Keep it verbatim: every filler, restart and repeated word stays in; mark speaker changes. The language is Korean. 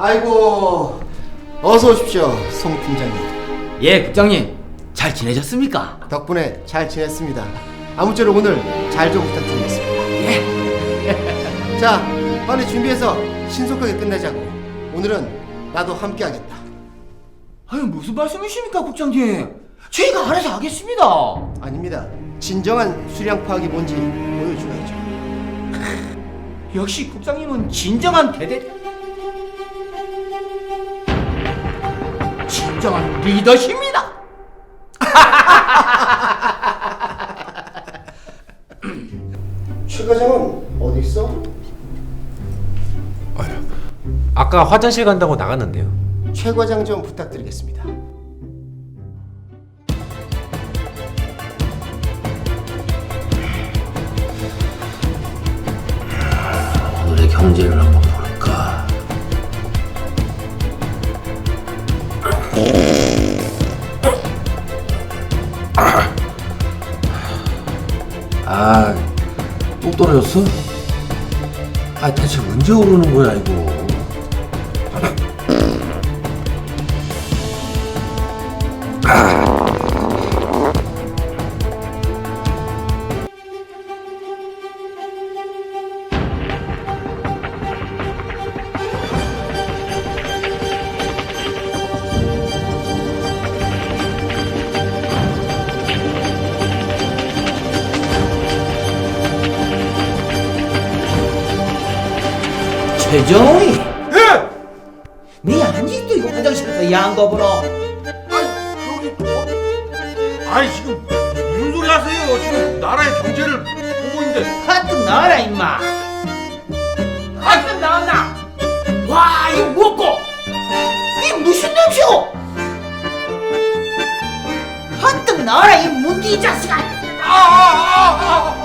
Speaker 1: 아이고, 어서 오십시오, 송 팀장님.
Speaker 2: 예, 국장님. 잘 지내셨습니까?
Speaker 1: 덕분에 잘 지냈습니다. 아무쪼록 오늘 잘 좀 부탁드리겠습니다.
Speaker 2: 예.
Speaker 1: 자, 빨리 준비해서 신속하게 끝내자고. 오늘은 나도 함께하겠다.
Speaker 2: 아니, 무슨 말씀이십니까, 국장님? 저희가 알아서 하겠습니다.
Speaker 1: 아닙니다. 진정한 수량 파악이 뭔지 보여줘야죠.
Speaker 2: 역시 국장님은 진정한 대대 진정한 리더십니다.
Speaker 1: 최 과장은 어디 있어?
Speaker 3: 아유, 아까 화장실 간다고 나갔는데요.
Speaker 1: 최 과장 좀 부탁드리겠습니다.
Speaker 4: 오늘의 경제를 한번 볼까? 아, 또 떨어졌어? 아, 대체 언제 오르는 거야 이거?
Speaker 2: 최정희. 예. 네 아직도 이거 화장실에서 야한 거 보러?
Speaker 5: 아니 여기 어? 아니 지금 무슨 소리 하세요? 지금 나라의 경제를 보고 있는데.
Speaker 2: 하여튼 나와라 임마. 하여튼 나왔나? 와 이거 뭐고? 이게 무슨 냄새고? 하여튼 나와라 이 문디 이 자식아.
Speaker 5: 아아아아